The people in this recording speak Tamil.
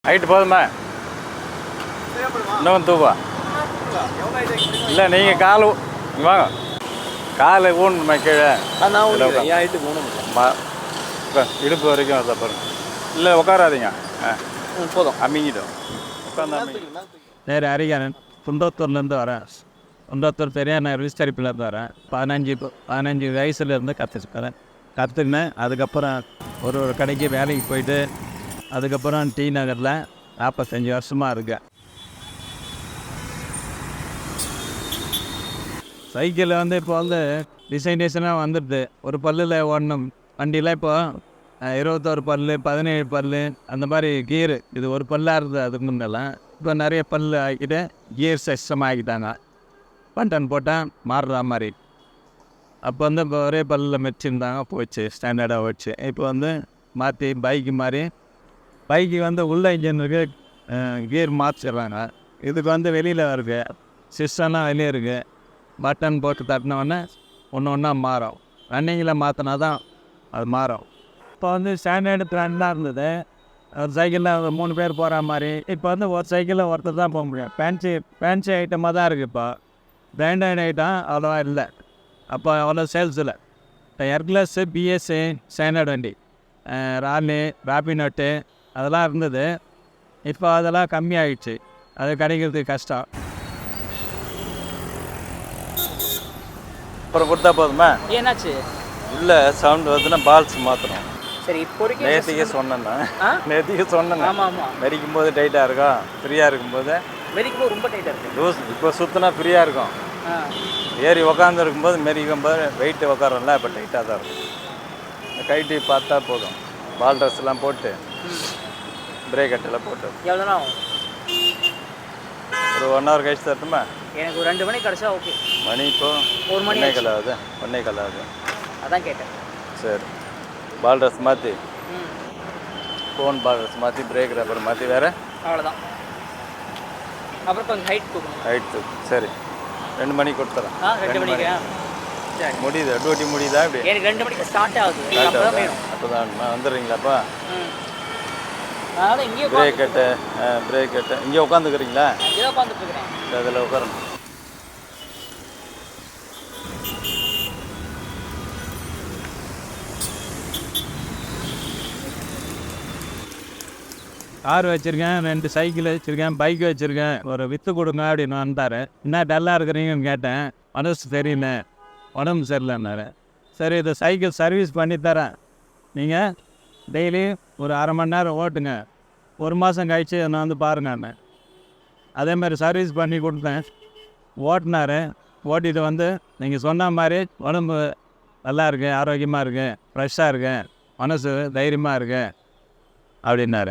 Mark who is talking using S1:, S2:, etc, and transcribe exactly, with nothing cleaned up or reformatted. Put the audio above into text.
S1: ஹைட்டு போதுமா? இன்னும் தூவா இல்லை, நீங்கள் கால் வாங்க, காலை ஊணுமா கீழே? இடுப்பு வரைக்கும் அதை பாருங்க. இல்லை உட்காராதீங்க, ஆ போதும், அம்மிங்கிட்டோம் உட்காந்து.
S2: நேரு ஹரிகரன், குன்றத்தூர்லேருந்து வரேன். குன்றத்தூர் பெரியார் நகர் விஸ்தரிப்புலேருந்து வரேன். பதினஞ்சு பதினஞ்சு வயசுலேருந்து கற்றுருக்கிறேன். கற்றுக்கினேன். அதுக்கப்புறம் ஒரு ஒரு கடைக்கு வேலைக்கு போயிட்டு அதுக்கப்புறம் டி நகரில் நாற்பத்தஞ்சி வருஷமாக இருக்கேன். சைக்கிளில் வந்து இப்போ வந்து டிசைன் டிசைனாக வந்துடுது. ஒரு பல்லில் ஓடணும் வண்டியில். இப்போ இருபத்தோரு பல், பதினேழு பல், அந்த மாதிரி கீரு. இது ஒரு பல்லாக இருந்தது அதுக்கு முன்னெல்லாம். இப்போ நிறைய பல் ஆக்கிட்டு கியர் சிஸ்டம் ஆக்கிட்டாங்க. பட்டன் போட்டால் மாறுற மாதிரி. அப்போ வந்து இப்போ ஒரே பல்லில் மெச்சிருந்தாங்க, போச்சு, ஸ்டாண்டர்டாக போச்சு. இப்போ வந்து மாற்றி பைக்கு மாதிரி பைக்கு வந்து உள்ள இன்ஜினுக்கு கியர் மாற்றிடுறாங்க. இதுக்கு வந்து வெளியில் இருக்குது, சிஸ்டம்லாம் வெளியே இருக்குது. பட்டன் போட்டு தட்டினோடனே ஒன்று ஒன்றா மாறும். ரன்னிங்கில் மாற்றினா தான் அது மாறும். இப்போ வந்து ஸ்டாண்டர்டு ட்ரெண்டாக இருந்தது. ஒரு சைக்கிளில் மூணு பேர் போகிற மாதிரி. இப்போ வந்து ஒரு சைக்கிளில் ஒருத்தர் தான் போக முடியும். ஃபேன்சி ஃபேன்சி ஐட்டமாக தான் இருக்குது. இப்போ பிராண்டட் ஐட்டம் அவ்வளோவா இல்லை. அப்போ அவ்வளோ சேல்ஸ் இல்லை. இப்போ எர்க்லஸ்ஸு, பிஎஸ்சி, ஸ்டாண்டர்ட் வண்டி, ராலி, ராபினோட்டு அதெல்லாம் இருந்தது. இப்போ அதெல்லாம் கம்மியாகிடுச்சு. அது கிடைக்கிறதுக்கு கஷ்டம்.
S1: அப்புறம் கொடுத்தா போதுமா?
S3: ஏன்னாச்சு
S1: இல்லை, சவுண்ட் வருதுன்னா பால்ஸ் மாற்றணும்.
S3: சரி, இப்போதைக்கு
S1: நேற்றுக்கே சொன்னேன்னா நேற்றுக்கே சொன்னேன்.
S3: ஆமாம் ஆமாம்,
S1: மெரிக்கும் போது டைட்டாக இருக்கும், ஃப்ரீயாக இருக்கும்போது
S3: மெரிக்கும் போது ரொம்ப டைட்டாக இருக்குது.
S1: லூஸ். இப்போ சுற்றினா ஃப்ரீயாக இருக்கும். ஏறி உக்காந்து இருக்கும்போது மெரிக்கும் போது வெயிட்டு உக்காரோம்ல, இப்போ டைட்டாக தான் இருக்கும். கைட்டி பார்த்தா போதும். பால் ட்ரெஸ்லாம் போட்டு பிரேக் கட்டெல்லாம் போட்டு
S3: எவ்வளோ நேரம் ஆகும்?
S1: ஒரு ஒன் ஹவர் கழிச்சு தரட்டுமா?
S3: எனக்கு ஒரு ரெண்டு மணிக்கு கிடச்சா ஓகே.
S1: மணி இப்போ
S3: ஒரு மணி
S1: ஒன்றே கால் ஆகுது. ஒன்றே கால் ஆகுது.
S3: அதான் கேட்டேன்.
S1: சரி, பால் ட்ரெஸ் மாற்றி,
S3: ம்,
S1: ஃபோன் பால் ட்ரெஸ் மாற்றி, பிரேக் ரப்பர் மாற்றி, வேறு
S3: அவ்வளோதான். அப்புறம் கொஞ்சம் ஹைட் தூக்கணும்.
S1: ஹைட் தூக்கு. சரி, ரெண்டு மணிக்கு கொடுத்துறேன்.
S3: ஆ, ரெண்டு மணிக்கு சரி
S1: முடியுது. டியூட்டி முடியுதா? இப்படி
S3: எனக்கு ரெண்டு மணிக்கு ஸ்டார்ட் ஆகுது. அப்போ தான் வேணும்.
S1: அப்போ தான் வந்துடுறீங்களாப்பா?
S3: ம், அதனால் இங்கேயே
S1: பிரேக் கட்டு, பிரேக் கட்டு. இங்கே உட்காந்துக்கிறீங்களா?
S3: இங்கே தான் உட்காந்துட்டு இருக்கிறேன்.
S1: அதில் உட்காரணும்.
S2: கார் வச்சுருக்கேன், ரெண்டு சைக்கிள் வச்சுருக்கேன், பைக் வச்சுருக்கேன். ஒரு விற்று கொடுங்க அப்படின்னு வந்தார். என்ன டல்லாக இருக்கிறீங்கன்னு கேட்டேன். மனசு தெரியல, உடம்பு சரியில்லைன்னாரு. சரி, இதை சைக்கிள் சர்வீஸ் பண்ணித்தரேன், நீங்கள் டெய்லி ஒரு அரை மணி நேரம் ஓட்டுங்க, ஒரு மாதம் கழிச்சு நான் வந்து பாருங்கன்னு. அதேமாதிரி சர்வீஸ் பண்ணி கொடுத்தேன். ஓட்டினார். ஓட்டிகிட்டு வந்து நீங்கள் சொன்ன மாதிரி உடம்பு நல்லா இருக்குது, ஆரோக்கியமாக இருக்குது, ஃப்ரெஷ்ஷாக இருக்குது, மனசு தைரியமாக இருக்குது அப்படின்னாரு.